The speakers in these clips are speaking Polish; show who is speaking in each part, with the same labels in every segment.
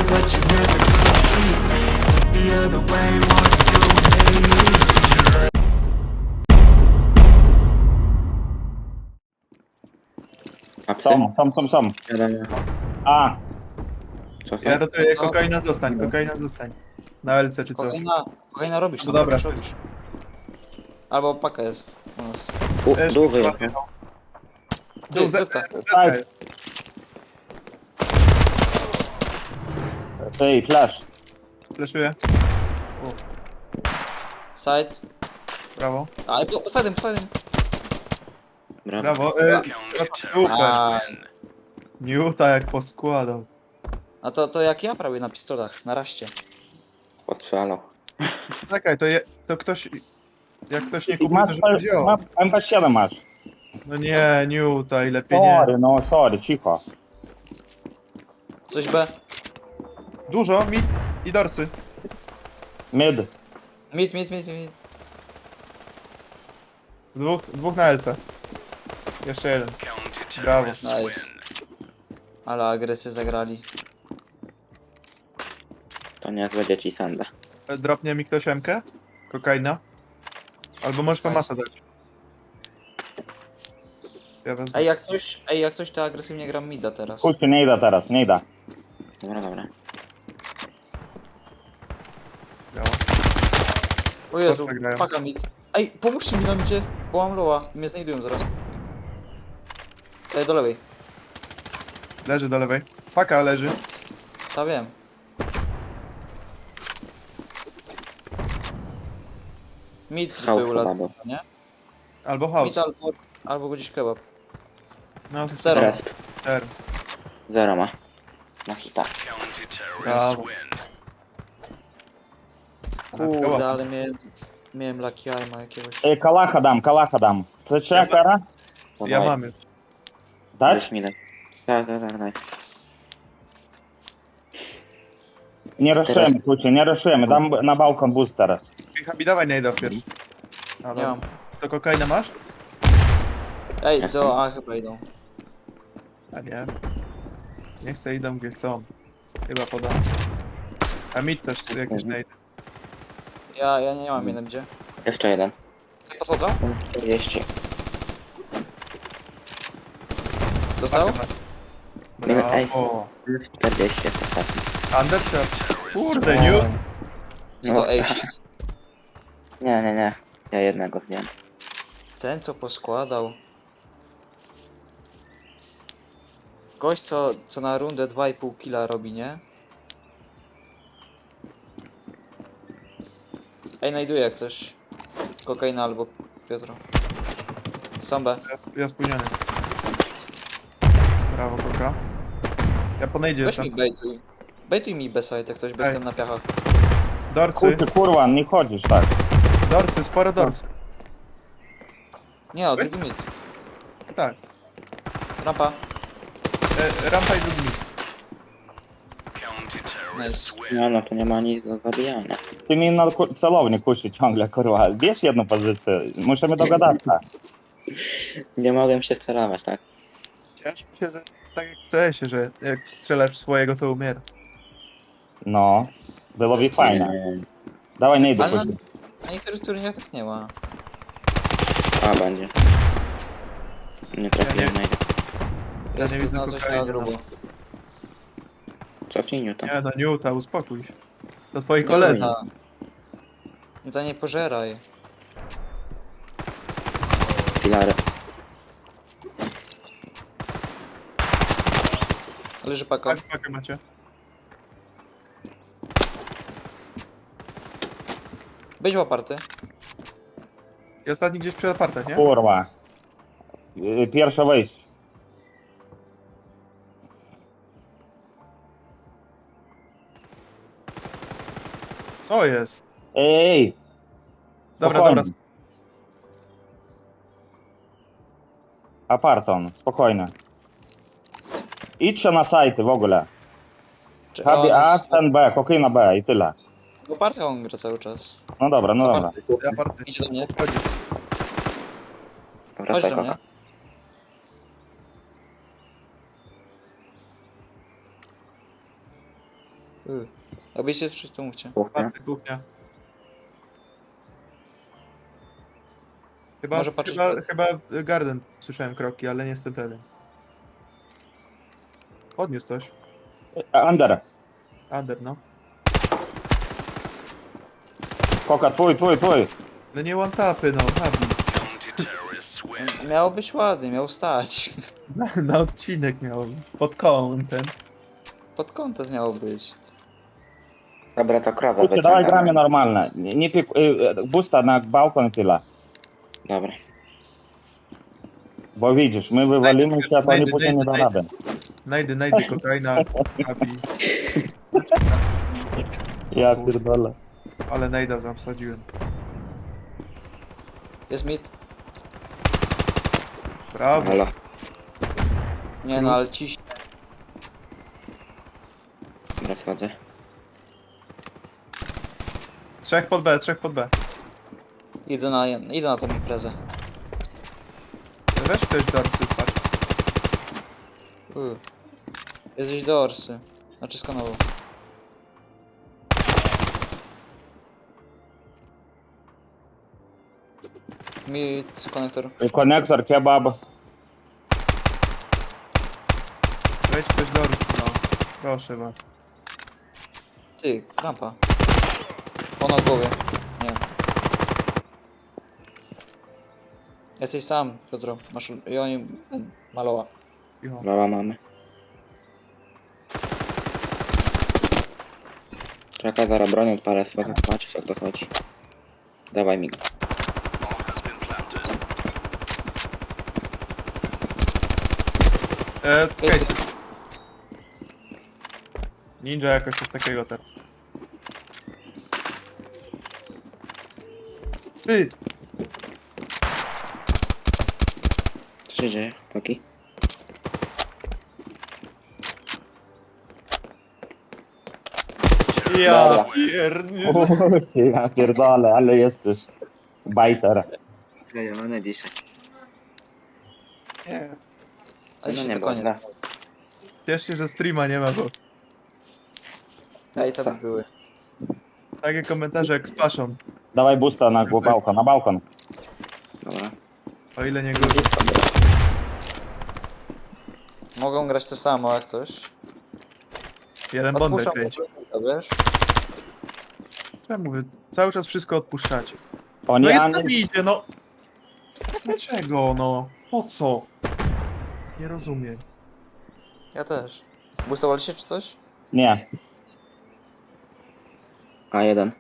Speaker 1: but you never complete me. Look the other way, what you hate.
Speaker 2: Apsy?
Speaker 3: Są.
Speaker 2: Wiadomo.
Speaker 3: A,
Speaker 2: Cofaj.
Speaker 4: Ja rotuję,
Speaker 5: No to-
Speaker 4: kokaina zostań. Na LC czy coś.
Speaker 5: Kolejna robisz,
Speaker 4: No
Speaker 5: no
Speaker 4: dobra.
Speaker 5: robisz. Albo paka jest u nas.
Speaker 2: Dół wyjechał.
Speaker 5: Ty,
Speaker 4: Z-
Speaker 5: zetka.
Speaker 4: Zetka jest.
Speaker 3: ej, flash.
Speaker 4: Fleszuję.
Speaker 5: Side.
Speaker 4: Brawo.
Speaker 5: A, posadym.
Speaker 2: Brawo.
Speaker 4: Brawo. Super.
Speaker 5: Aj.
Speaker 4: Newta jak poskładał.
Speaker 5: A to jak ja prawie na pistolach, na raście.
Speaker 2: Postrzelał.
Speaker 4: Czekaj, to ktoś... Jak ktoś nie
Speaker 3: I
Speaker 4: kupił,
Speaker 3: masz,
Speaker 4: to żeby wziął.
Speaker 3: MP7 masz.
Speaker 4: No nie, Newta i lepiej nie.
Speaker 3: Sorry, cicho.
Speaker 5: Coś B.
Speaker 4: Dużo, mid i dorsy.
Speaker 3: Mid.
Speaker 5: Mid.
Speaker 4: Dwóch na LC. Jeszcze jeden. Brawo.
Speaker 5: Nice. Ale agresję zagrali.
Speaker 2: To niezłe dzieci sanda.
Speaker 4: Dropnie mi ktoś MK? Kokaina? Albo możesz
Speaker 5: Fajnie.
Speaker 4: famasa dać. Ja wezmę.
Speaker 5: Ej, jak coś to agresywnie gram mida teraz.
Speaker 3: Kurczę, nie idę teraz, nie idę.
Speaker 2: Dobra.
Speaker 4: Brawo.
Speaker 5: O Jezu,
Speaker 4: Chłopcy grają.
Speaker 5: paka mid. Ej, pomóżcie mi na midzie, bo mam loa. Mnie znajdują zaraz. Ej, do lewej.
Speaker 4: Leży do lewej. Paka leży.
Speaker 5: Ta wiem. Mid
Speaker 2: House
Speaker 5: był
Speaker 2: chyba
Speaker 5: las,
Speaker 2: był.
Speaker 5: nie?
Speaker 4: Albo house.
Speaker 5: Mid albo gdzieś kebab.
Speaker 4: No,
Speaker 5: Zero.
Speaker 2: Resp.
Speaker 4: ter.
Speaker 2: Zero ma. Na hita.
Speaker 4: Brawo.
Speaker 5: Kurde, ale miałem lucky aima jakiegoś.
Speaker 3: Ej, kalacha dam. Це чия кара?
Speaker 4: Ja mam już.
Speaker 3: Dać?
Speaker 2: Weź mi daj. Tak, daj.
Speaker 3: Nie ruszujemy, kurczę, nie ruszujemy. Dam na balkon boost teraz.
Speaker 4: Habi, dawaj najda pierwszy. A,
Speaker 5: Nie
Speaker 4: dobra.
Speaker 5: mam.
Speaker 4: To kokaina masz?
Speaker 5: Ej,
Speaker 2: Jasne.
Speaker 5: do A chyba idą.
Speaker 4: A nie. Nie chcę, idą gdzie chcą. Chyba podam. A mid też jakieś najda.
Speaker 5: Ja nie mam jeden gdzie.
Speaker 2: Jeszcze jeden.
Speaker 5: Podchodzą?
Speaker 2: 40.
Speaker 5: Dostał?
Speaker 4: Brawo.
Speaker 2: Plus 40 jest ostatni.
Speaker 4: Undershot. Kurde, New.
Speaker 5: Co
Speaker 2: No,
Speaker 5: to Ejsik?
Speaker 2: Nie. Ja jednego zdjąłem.
Speaker 5: Ten co poskładał. Gość co na rundę 2,5 killa robi, nie? Ej, znajduję jak coś. Kokaina albo Piotro. Sambę.
Speaker 4: Ja spóźniony. Brawo, koka. Ja ponejdzie
Speaker 5: Weź
Speaker 4: jestem.
Speaker 5: mi bejtuj. Bejtuj mi beside jak coś, bo
Speaker 4: Ej.
Speaker 5: jestem na piachach.
Speaker 4: Dorsy.
Speaker 3: Kurczę, kurwa, nie chodzisz tak.
Speaker 4: Dorsy, sporo dorsy.
Speaker 5: Nie no,
Speaker 4: Weź-
Speaker 5: drugi mid.
Speaker 4: Tak.
Speaker 5: Rampa.
Speaker 4: Rampa i drugi mid.
Speaker 5: Nice.
Speaker 2: No to nie ma nic do zabijania.
Speaker 3: Ty mi na celownik kuszy ciągle, kurwa. Bierz jedną pozycję, musimy dogadać.
Speaker 4: No.
Speaker 2: Nie mogłem się wcelować, tak?
Speaker 4: Ciężko się, że tak jak chce się, że jak strzelasz swojego, to umiera.
Speaker 3: No, byłoby fajne. Dawaj, nie idę,
Speaker 5: Ale
Speaker 3: kurczę.
Speaker 5: na niektórych turniejach tak nie ma.
Speaker 2: A, będzie. Nie trafiłem na
Speaker 5: Jest
Speaker 4: nie widzę
Speaker 5: no coś na
Speaker 4: kokainy,
Speaker 5: grubo.
Speaker 2: Cofnij Newton.
Speaker 4: Nie no, Newta, uspokój się. To twoi
Speaker 5: Nie
Speaker 4: koledzy.
Speaker 5: ta. Nie ta nie pożeraj.
Speaker 2: Filary.
Speaker 5: Leży paka.
Speaker 4: Tak, pakę macie.
Speaker 5: Być oparty.
Speaker 4: I ostatni gdzieś przy apartach, nie?
Speaker 3: Kurwa. Pierwsze wejście.
Speaker 4: Co jest?
Speaker 3: Ej,
Speaker 4: Dobra,
Speaker 3: spokojnie.
Speaker 4: dobra.
Speaker 3: Aparton, spokojnie. Idźcie na sajty w ogóle.
Speaker 5: Czy
Speaker 3: Habi
Speaker 5: on
Speaker 3: A,
Speaker 5: jest-
Speaker 3: ten B, kokaina B i tyle.
Speaker 5: W opartych on gra cały czas.
Speaker 3: No dobra, no dobra.
Speaker 4: Aparty.
Speaker 5: Idzie do mnie.
Speaker 4: Chodzi.
Speaker 5: Chodź
Speaker 2: Wracaj
Speaker 5: do
Speaker 2: koka.
Speaker 5: mnie. Jakbyście coś tu mówcie.
Speaker 2: Kuchnia.
Speaker 4: Patrzę, kuchnia. Chyba,
Speaker 5: Może patrzeć
Speaker 4: chyba Garden słyszałem kroki, ale nie jestem pewien. Podniósł coś.
Speaker 3: Under.
Speaker 4: Ander, no.
Speaker 3: Koka, twój.
Speaker 4: Ale nie one-tapy, no. Nabi.
Speaker 5: Miało być ładnie, miał stać.
Speaker 4: Na odcinek miał. Pod kątem.
Speaker 5: Pod kątem miało być.
Speaker 2: Dobra, to krowę
Speaker 3: Kurczę, dawaj
Speaker 2: wyciągamy.
Speaker 3: gramy normalne. Nie pik... Busta na balkon i tyle.
Speaker 2: Dobra.
Speaker 3: Bo widzisz, my wywalimy się, a to oni
Speaker 4: Najdy,
Speaker 3: później nie da
Speaker 4: najdy.
Speaker 3: rady.
Speaker 4: Najdy kokaina. Nabi.
Speaker 3: Ja pierdolę.
Speaker 4: Ale najda zamsadziłem.
Speaker 5: Jest mit.
Speaker 4: Brawo.
Speaker 2: Halo.
Speaker 5: Nie no, ale ciśnie.
Speaker 2: Dobra, schodzę.
Speaker 4: 3 pod B, 3 pod B.
Speaker 5: Idę na tą imprezę.
Speaker 4: Weź ktoś dorsy, patrz.
Speaker 5: Jesteś do Orsy. Znaczy skanował. Mit, konektor.
Speaker 3: Konektor, kebab.
Speaker 4: Weź ktoś dorsy, no. Proszę was.
Speaker 5: Ty, rampa. Ona w głowie. Nie. Jesteś sam, Piotro. Masz... I oni... Maloła.
Speaker 4: Cicho.
Speaker 2: Loła mamy. Czekaj, zaraz bronią odpalę, schodzę zobaczyć jak to chodzi. Dawaj mi go.
Speaker 4: Case. Ninja jakoś coś takiego teraz. Ty!
Speaker 2: Co się dzieje, Paki?
Speaker 4: Ja
Speaker 2: Dobra.
Speaker 4: pierdolę.
Speaker 3: Ja pierdolę, ale jesteś bajter.
Speaker 2: Klejony dzisiaj.
Speaker 4: Nie.
Speaker 5: A
Speaker 2: No
Speaker 5: dzisiaj
Speaker 2: nie
Speaker 5: to
Speaker 2: było,
Speaker 5: koniec.
Speaker 2: da.
Speaker 4: Ciesz się, że streama nie ma, bo
Speaker 5: Ej, co
Speaker 2: Co?
Speaker 5: by były?
Speaker 4: takie komentarze jak z paszą.
Speaker 3: Dawaj busta na balkon, na balkon.
Speaker 2: Dobra.
Speaker 4: O ile nie gorzej.
Speaker 2: Blisko było.
Speaker 5: Mogą grać to samo jak coś.
Speaker 4: Jeden bondek
Speaker 5: Odpuszczam,
Speaker 4: kręci.
Speaker 5: wiesz?
Speaker 4: Czemu wy cały czas wszystko odpuszczacie?
Speaker 3: Oni
Speaker 4: No jest
Speaker 3: ani...
Speaker 4: tam idzie, no! Dlaczego, no? Po co? Nie rozumiem.
Speaker 5: Ja też. Boostowali się czy coś?
Speaker 3: Nie.
Speaker 2: A1.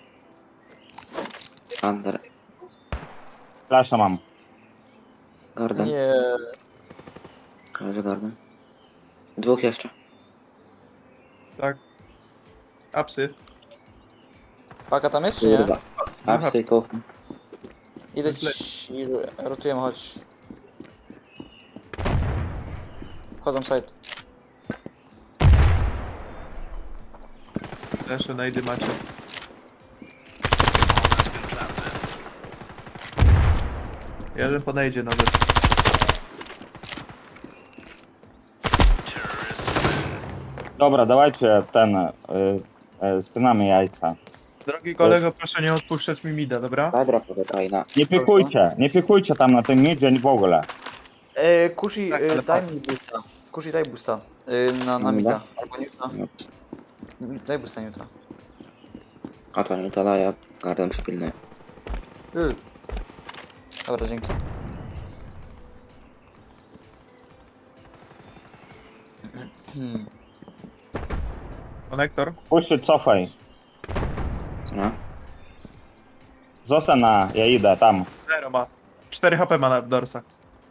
Speaker 2: Under.
Speaker 3: Flasza mam.
Speaker 2: Garden.
Speaker 5: Nie.
Speaker 2: Leży garden. Dwóch jeszcze.
Speaker 4: Tak. Apsy.
Speaker 5: Paka tam jest czy nie?
Speaker 2: Kurwa. Apsy i kuchnia.
Speaker 5: Idę ci... Rotujemy, chodź. Wchodzą w side.
Speaker 4: Też najdy macie. Jeden podejdzie nawet.
Speaker 3: Dobra, dawajcie ten... spinamy jajca.
Speaker 4: Drogi kolego, proszę nie odpuszczać mi mida, dobra?
Speaker 2: Daj dropu do Kaina.
Speaker 3: Nie pikujcie tam na tym midzie w ogóle.
Speaker 5: Kushi,
Speaker 4: Tak, ale
Speaker 5: daj
Speaker 4: patrz.
Speaker 5: mi boosta. Kushi, daj boosta. Na
Speaker 2: Dobra.
Speaker 5: mida. Albo Newta.
Speaker 2: No.
Speaker 5: Daj boosta Newta.
Speaker 2: A to nie to daje. Garden przypilny.
Speaker 5: Dobra, dzięki.
Speaker 4: Konektor?
Speaker 3: Puść, cofaj.
Speaker 2: No.
Speaker 3: Zostań na... Ja idę tam.
Speaker 4: 0 ma. 4 HP ma na dorsach.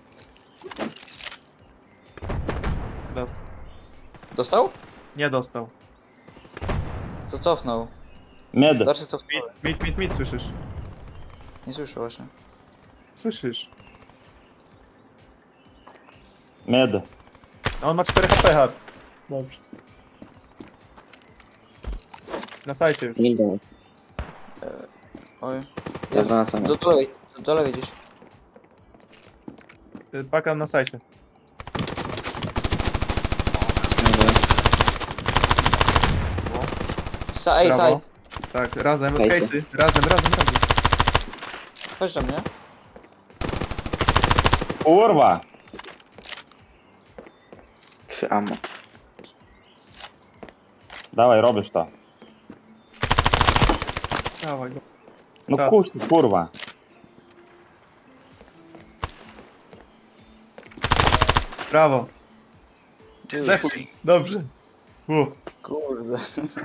Speaker 4: Dostał.
Speaker 5: Dostał?
Speaker 4: Nie dostał.
Speaker 5: To cofnął.
Speaker 3: Mid.
Speaker 5: Dalszy cofnął.
Speaker 4: Mid, słyszysz?
Speaker 5: Nie słyszę właśnie.
Speaker 4: Słyszysz.
Speaker 3: Mid.
Speaker 4: No on ma 4 HP. Dobrze. Na sajcie już.
Speaker 2: Nildo.
Speaker 5: Oj.
Speaker 2: Ja wracam.
Speaker 5: Do lewej gdzieś.
Speaker 4: Paka na sajcie.
Speaker 5: Ej,
Speaker 4: Brawo.
Speaker 5: side.
Speaker 4: Tak, razem,
Speaker 2: Case'y.
Speaker 4: case'y, razem.
Speaker 5: Chodź do mnie.
Speaker 3: Kurwa!
Speaker 2: 3 ammo.
Speaker 3: Dawaj, robisz to.
Speaker 4: Dawaj go.
Speaker 3: No
Speaker 4: Raz.
Speaker 3: kurwa.
Speaker 4: Brawo.
Speaker 5: Ty,
Speaker 4: Dobrze.
Speaker 5: kurde.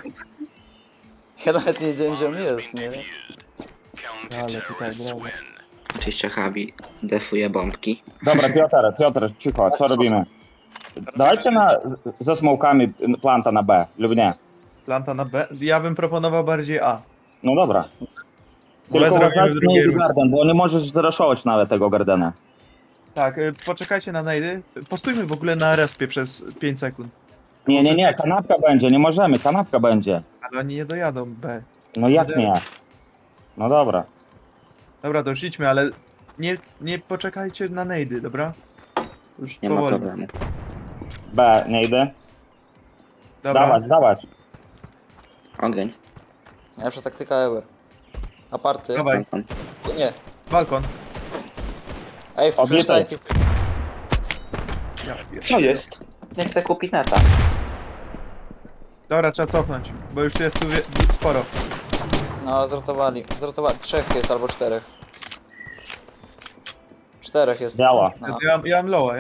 Speaker 5: Ja nawet nie wiedziałem, gdzie on jest, nie?
Speaker 4: Ale tutaj, brawo.
Speaker 2: Oczywiście Habi defuje bombki.
Speaker 3: Dobra, Piotr, cicho, co robimy? Dawajcie ze smokami planta na B, lub nie?
Speaker 4: Planta na B. Ja bym proponował bardziej A.
Speaker 3: No dobra.
Speaker 4: B
Speaker 3: Tylko
Speaker 4: zrobimy w
Speaker 3: uważajcie
Speaker 4: drugiej
Speaker 3: na
Speaker 4: rundzie.
Speaker 3: garden, bo nie możesz zraszować nawet tego gardena.
Speaker 4: Tak, poczekajcie na najdy. Postójmy w ogóle na respie przez 5 sekund.
Speaker 3: Nie, kanapka będzie, nie możemy, kanapka będzie.
Speaker 4: Ale oni nie dojadą B.
Speaker 3: No jak nie? No dobra.
Speaker 4: Dobra, to już idźmy, ale nie poczekajcie na najdy, dobra? Już
Speaker 2: Nie ma
Speaker 4: powoli.
Speaker 2: problemu.
Speaker 3: B, nie idę.
Speaker 4: Dobra.
Speaker 3: Dawać.
Speaker 2: Ogień.
Speaker 5: Najlepsza taktyka ever. Aparty.
Speaker 4: Dawaj,
Speaker 2: Balkon.
Speaker 5: Nie.
Speaker 4: balkon.
Speaker 5: Ej,
Speaker 3: Obiecaj.
Speaker 5: flashlight.
Speaker 4: Ja pier-
Speaker 2: Co jest? Nie chcę kupić neta.
Speaker 4: Dobra, trzeba cofnąć, bo już jest tu sporo.
Speaker 5: No, zrotowali. Zrotowali. 3 jest albo 4. 4 jest.
Speaker 3: Działa.
Speaker 5: No.
Speaker 4: Ja mam loa.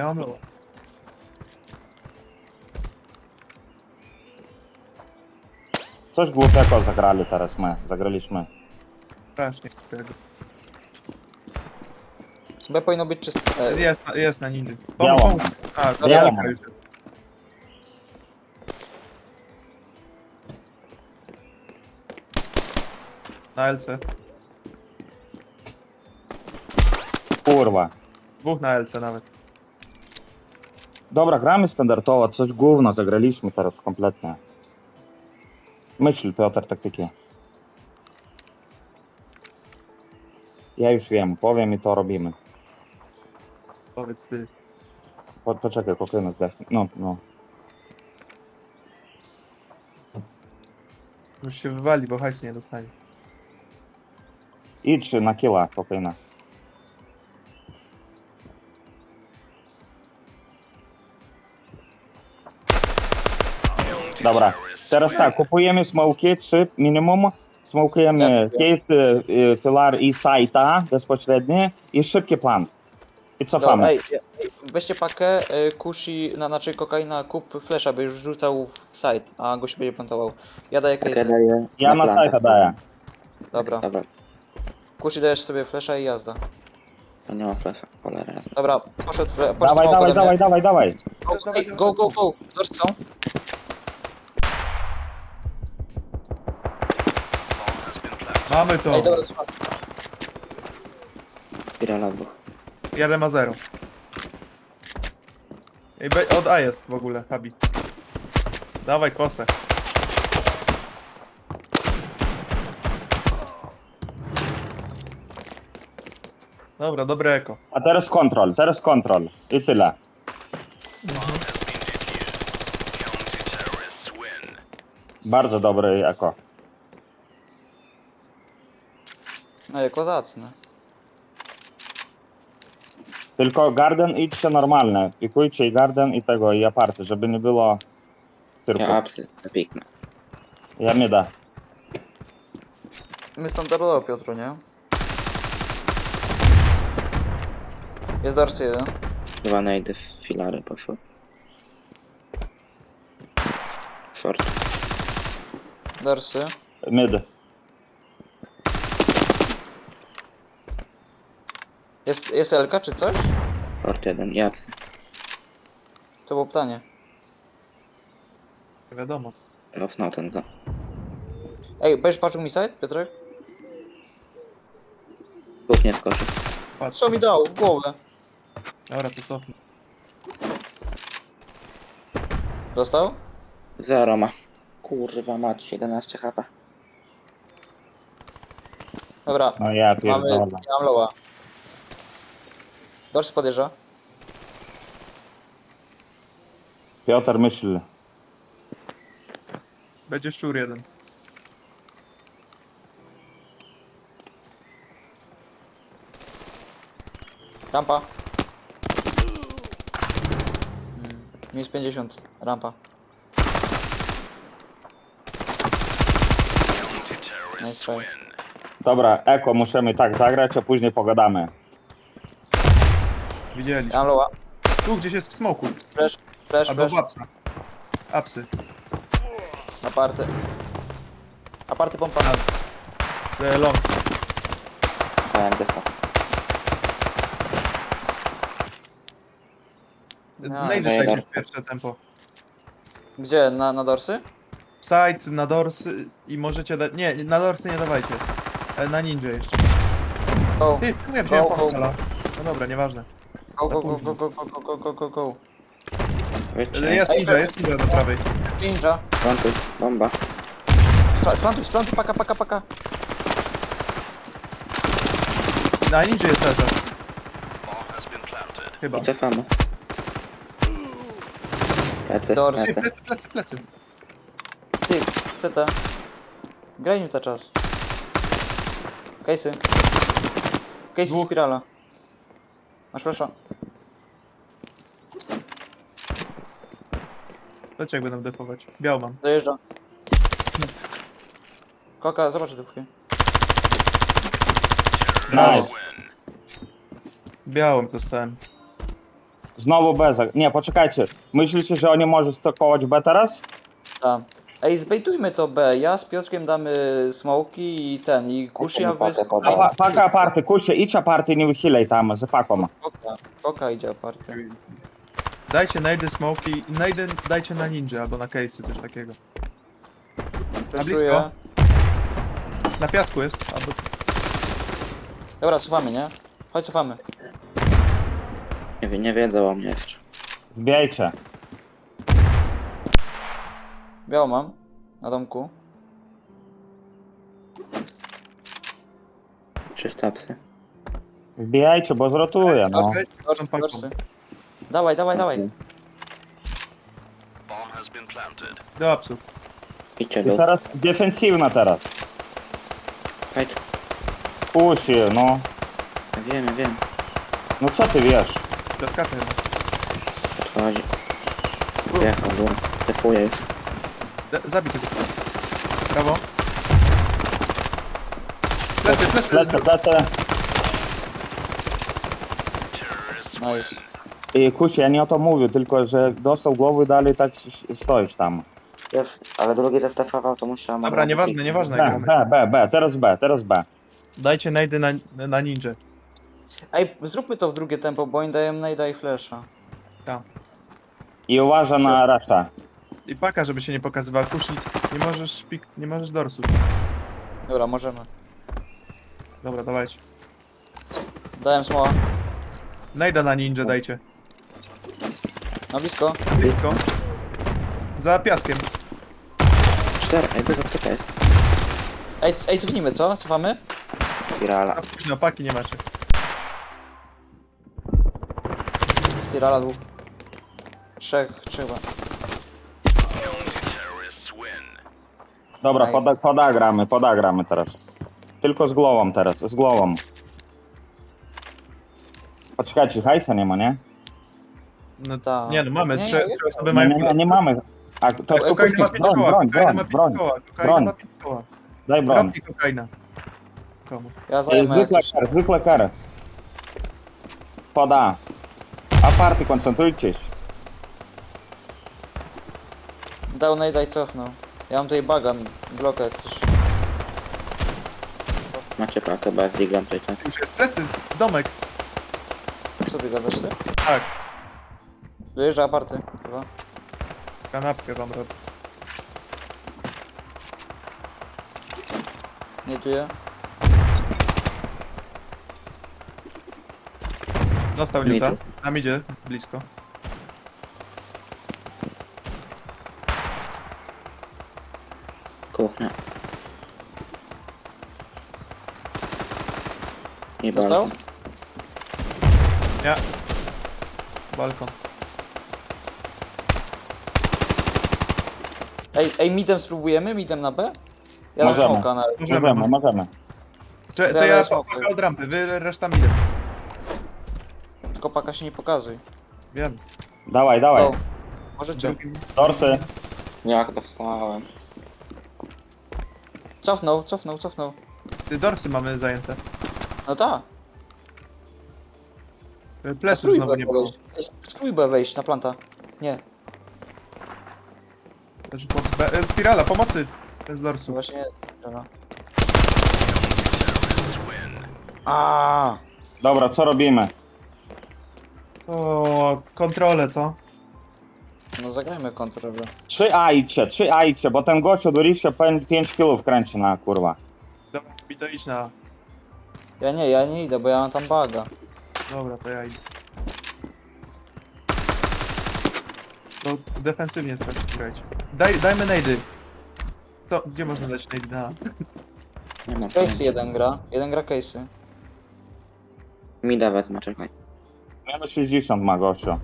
Speaker 3: Coś głupiego zagrali teraz zagraliśmy.
Speaker 4: Strasznie.
Speaker 5: B powinno być czyste.
Speaker 4: Jest na nindy.
Speaker 3: Działa.
Speaker 4: Pomóż. A, to
Speaker 3: Działa.
Speaker 4: Elka już. Na LC.
Speaker 3: Kurwa.
Speaker 4: Dwóch na LC nawet.
Speaker 3: Dobra, gramy standardowo, coś gówno zagraliśmy teraz kompletnie. Myśl, Piotr, taktyki. Ja już wiem, powiem i to robimy.
Speaker 4: Powiedz ty.
Speaker 3: Poczekaj, kokaina zdechnie. No.
Speaker 4: Już się wywali, bo hajs nie dostanie.
Speaker 3: Idź na killa, kokaina. Dobra, teraz tak, kupujemy smoki, 3 minimum. Smokujemy cave, filar i site'a bezpośrednie i szybki plant. I
Speaker 5: Dobra,
Speaker 3: cofamy.
Speaker 5: ej, weźcie pakę, kusi, znaczy kokaina, kup flesza, by już rzucał w side, a gość będzie plantował. Ja daję
Speaker 2: Tak ja
Speaker 5: case.
Speaker 2: daję
Speaker 3: Ja na
Speaker 2: planta.
Speaker 3: site'a daję.
Speaker 5: Dobra.
Speaker 2: Dobra,
Speaker 5: Kusi dajesz sobie flesza i jazda.
Speaker 2: to nie ma flasha. Cholera jasna.
Speaker 5: Dobra, poszedł
Speaker 3: Dawaj.
Speaker 5: Go. Doors są.
Speaker 4: Mamy to.
Speaker 5: Ej, dobra, słuchaj.
Speaker 2: Pirala dwóch.
Speaker 4: Jeden ma 0. Ej, od A jest w ogóle, Habi. Dawaj kosę. Dobra, dobre eko.
Speaker 3: A teraz kontrol. I tyle. Bardzo dobry eko.
Speaker 5: No jak kozacne.
Speaker 3: Tylko garden idźcie normalne. Pikujcie i garden i tego, i aparty, żeby nie było cyrku.
Speaker 2: Ja apsy, to piknę.
Speaker 3: Ja nie da.
Speaker 5: My standardowo, Piotru, nie? Jest dorsy jeden.
Speaker 2: 2 najdy w filary poszły. Short.
Speaker 5: Dorsy.
Speaker 3: Mid.
Speaker 5: Jest Elka czy coś?
Speaker 2: Short 1 i apsy.
Speaker 5: To było pytanie.
Speaker 4: Nie wiadomo.
Speaker 2: Cofnął ten za.
Speaker 5: Ej, będziesz patrzył mi side, Piotrek?
Speaker 2: Kup nie skoczy.
Speaker 4: Patrz.
Speaker 5: Co mi dał? W głowę.
Speaker 4: Dobra, to cofnij.
Speaker 5: Dostał?
Speaker 2: 0 ma. Kurwa mać, 11 HP.
Speaker 5: Dobra.
Speaker 3: No ja
Speaker 5: Mamy,
Speaker 3: pierdolę.
Speaker 5: ja mam loła. Dorsy podjeżdża.
Speaker 3: Piotr myśl.
Speaker 4: Będzie szczur jeden.
Speaker 5: Rampa. Minus 50. Rampa. Nice try.
Speaker 3: Dobra, eko musimy tak zagrać, a później pogadamy.
Speaker 4: Widzieli.
Speaker 5: Mam loła.
Speaker 4: Tu gdzieś jest w smoku.
Speaker 5: Flash, flash,
Speaker 4: Albo
Speaker 5: flash.
Speaker 4: w apsa. Apsy.
Speaker 5: Aparty. Aparty pompa.
Speaker 4: Long.
Speaker 2: Scientista.
Speaker 5: No.
Speaker 4: Najdę
Speaker 2: Dobra.
Speaker 4: dajcie w pierwsze tempo.
Speaker 5: Gdzie? Na dorsy?
Speaker 4: Side, na dorsy i możecie dać... Nie, na dorsy nie dawajcie. Na ninja jeszcze.
Speaker 5: Go.
Speaker 4: Ty, czemu ja wziąłem
Speaker 5: Go, go,
Speaker 4: portala? No dobra, nieważne.
Speaker 5: Go, go, go, go, go, go, go, go, go, go.
Speaker 2: Wiecie,
Speaker 4: Jest ninja do prawej.
Speaker 5: Ninja.
Speaker 2: plantuj, bomba.
Speaker 5: Splantuj, paka.
Speaker 4: Na ninja jest cały czas. Chyba.
Speaker 2: I cofamy. Plecy,
Speaker 5: Dorsy.
Speaker 4: Ty,
Speaker 2: plecy.
Speaker 4: plecy.
Speaker 5: Ty, CT. Graj Newta czas. Case'y. Case
Speaker 4: Dwóch.
Speaker 5: spirala. Masz flasha.
Speaker 4: Dlaczego jak będą defować? Biał mam.
Speaker 5: Dojeżdża. Koka, zobacz dupkę.
Speaker 3: Nice.
Speaker 4: Białym dostałem.
Speaker 3: Znowu B. Nie, poczekajcie. Myślicie, że oni mogą stokować B teraz?
Speaker 5: Tak. Ej, zbejtujmy to B. Ja z Piotrkiem damy smoki i ten, i kuszy, a wy
Speaker 2: Pakę
Speaker 5: z
Speaker 2: podam.
Speaker 3: Paka aparty, kurczę, idź aparty, nie wychylej tam z paką.
Speaker 5: Koka idzie aparty.
Speaker 4: Dajcie najdy smoki, najdy dajcie na ninja albo na case'y, coś takiego.
Speaker 5: Flashuję.
Speaker 4: Na piasku jest, albo...
Speaker 5: Dobra, cofamy, nie? Chodź, cofamy.
Speaker 2: Nie wiedzą o mnie jeszcze.
Speaker 3: Wbijajcie.
Speaker 5: Biało mam. Na domku.
Speaker 2: 300 psy.
Speaker 3: Wbijajcie, bo zrotuję, no.
Speaker 5: Dorsy. Dawaj.
Speaker 4: Do apsów.
Speaker 2: Idźcie
Speaker 3: I
Speaker 2: do...
Speaker 3: teraz defensywna teraz.
Speaker 2: Fight.
Speaker 3: Pusi, no.
Speaker 2: Wiem.
Speaker 3: No co ty wiesz?
Speaker 4: Piaskacze chyba.
Speaker 2: Odchodzi. Wjechał, bo defuje już.
Speaker 4: Zabij tego. Brawo. Plecy.
Speaker 3: Lecę.
Speaker 5: Nice.
Speaker 3: I kusi, ja nie o to mówię, tylko że dostał głowy dalej tak stoisz tam.
Speaker 2: Wiesz, ale drugi też defował, to musiałem...
Speaker 4: Dobra, nieważne jak gramy.
Speaker 3: Teraz B.
Speaker 4: Dajcie najdy na ninja.
Speaker 5: Ej, zróbmy to w drugie tempo, bo oni dają najda i flasha.
Speaker 3: I uważa na resztę.
Speaker 4: I paka, żeby się nie pokazywał. Kusi, nie możesz dorsu.
Speaker 5: Dobra, możemy.
Speaker 4: Dobra, dawajcie.
Speaker 5: Dałem smoła.
Speaker 4: Najda na ninja dajcie.
Speaker 5: Na blisko.
Speaker 4: Blisko. Za piaskiem.
Speaker 2: 4, ej, bez apteka jest.
Speaker 5: Ej, cofnijmy, co? Cofamy?
Speaker 2: Spirala.
Speaker 4: A późno, paki nie macie.
Speaker 5: Spirala dwóch. Trzech chyba.
Speaker 3: Dobra,
Speaker 5: Ej.
Speaker 3: podagramy teraz. Tylko z głową teraz, z głową. Poczekajcie, hajsa nie ma, nie?
Speaker 4: No
Speaker 5: Ta.
Speaker 4: nie no, mamy.
Speaker 5: Nie,
Speaker 4: Trzy
Speaker 5: nie,
Speaker 4: osoby
Speaker 3: Nie,
Speaker 4: mają...
Speaker 3: nie mamy. A to
Speaker 4: Kokaina ma 5 koła. Kokaina ma 5 koła. Kokaina ma 5 koła.
Speaker 3: Daj broń.
Speaker 4: Drobnie kokaina. Komu?
Speaker 5: Ja zajmę coś.
Speaker 3: Zwykle kary. Poda. Aparty, koncentrujcie się.
Speaker 5: Dał najda i cofnął. Ja mam tutaj bagan, blokę jak coś.
Speaker 2: Macie pakę, bo ja z diglem tutaj tak.
Speaker 4: Już jest plecy. Domek.
Speaker 5: Co ty gadasz ty?
Speaker 4: Tak.
Speaker 5: Dojeżdża aparty chyba.
Speaker 4: Kanapkę wam robię.
Speaker 5: Nie tuję.
Speaker 4: Dostał
Speaker 2: Mid.
Speaker 4: Newta. Nam idzie blisko.
Speaker 2: Kuchnia. I
Speaker 5: Dostał?
Speaker 2: balkon.
Speaker 4: Ja. Balkon.
Speaker 5: Ej, midem spróbujemy? Midem na B? Ja dam
Speaker 3: Możemy.
Speaker 5: smoka na...
Speaker 3: Możemy.
Speaker 4: To
Speaker 5: Dawaj,
Speaker 4: ja
Speaker 5: smokuj.
Speaker 4: paka od rampy, wy reszta midem.
Speaker 5: tylko paka się nie pokazuj.
Speaker 4: Wiem.
Speaker 3: Dawaj, dawaj.
Speaker 5: O, możecie.
Speaker 3: Dorsy.
Speaker 2: Jak dostałem?
Speaker 5: Cofnął.
Speaker 4: Ty dorsy mamy zajęte.
Speaker 5: No tak.
Speaker 4: Pleców znowu nie było.
Speaker 5: Spróbuj wejść na planta. Nie,
Speaker 4: Leży spirala, pomocy! Z
Speaker 5: to
Speaker 4: dorsu.
Speaker 5: właśnie jest. Dobra. A,
Speaker 3: Dobra, co robimy?
Speaker 4: O, kontrolę, co?
Speaker 5: no zagrajmy kontrolę.
Speaker 3: 3A idźcie, bo ten gościu duriście 5 kilów kręci na kurwa.
Speaker 4: Dobra, mi to idź na...
Speaker 5: Ja nie idę, bo ja mam tam baga.
Speaker 4: Dobra, to ja idę. To defensywnie strasznie grajcie. Dajmy najdy. Co? Gdzie można dać najdy? Na...
Speaker 2: Nie mam
Speaker 5: Casey jeden gra Casey.
Speaker 2: Mida wezmę, czekaj.
Speaker 3: Minus 60 ma gościu.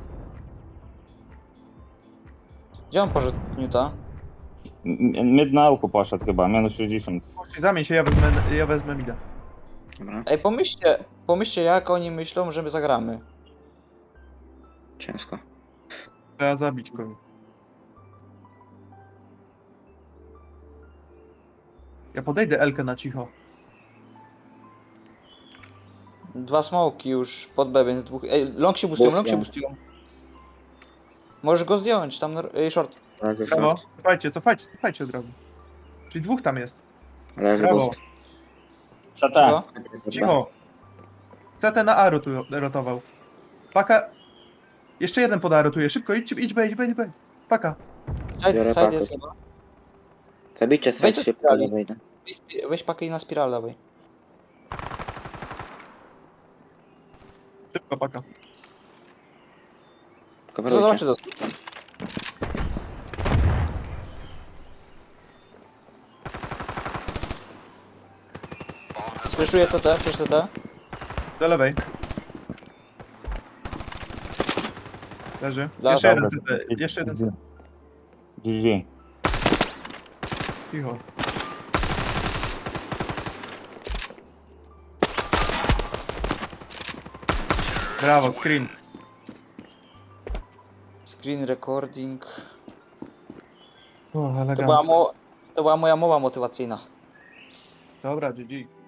Speaker 5: Gdzie on poszedł Newta?
Speaker 3: Mid na elku poszedł chyba, minus 60.
Speaker 4: Zamień się, ja wezmę mida.
Speaker 2: Dobra,
Speaker 5: Ej, pomyślcie jak oni myślą, że my zagramy.
Speaker 2: ciężko.
Speaker 4: Trzeba zabić kogoś. Ja podejdę Elkę na cicho.
Speaker 5: 2 smoki już pod B, więc dwóch... Ej, long się boostują. Możesz go zdjąć, tam short.
Speaker 2: Leży
Speaker 4: Brawo.
Speaker 2: short.
Speaker 4: Cofajcie od razu. Czyli dwóch tam jest.
Speaker 2: Leży
Speaker 4: Brawo.
Speaker 2: boost.
Speaker 3: CT.
Speaker 5: Cicho.
Speaker 4: Cicho. CT na A rotował. Paka. Jeszcze jeden pod A rotuje. Szybko, idź B. Paka.
Speaker 2: Biorę
Speaker 5: Side
Speaker 2: pakę.
Speaker 5: jest chyba.
Speaker 2: Zabijcie
Speaker 5: Wejdź
Speaker 2: side
Speaker 5: do
Speaker 2: szybko,
Speaker 5: spirali.
Speaker 2: nie wyjdę.
Speaker 5: Weź pakę i na spiral dawaj.
Speaker 4: Szybko, paka.
Speaker 2: Coverujcie.
Speaker 5: Zobaczcie to. Fleszuję CT.
Speaker 4: Do lewej. Leży.
Speaker 5: Dobra,
Speaker 4: Jeszcze jeden CT.
Speaker 3: GG.
Speaker 4: Cicho. Brawo, screen.
Speaker 5: Screen recording.
Speaker 4: O,
Speaker 5: To
Speaker 4: elegancko.
Speaker 5: była moja mowa motywacyjna.
Speaker 4: Dobra, GG.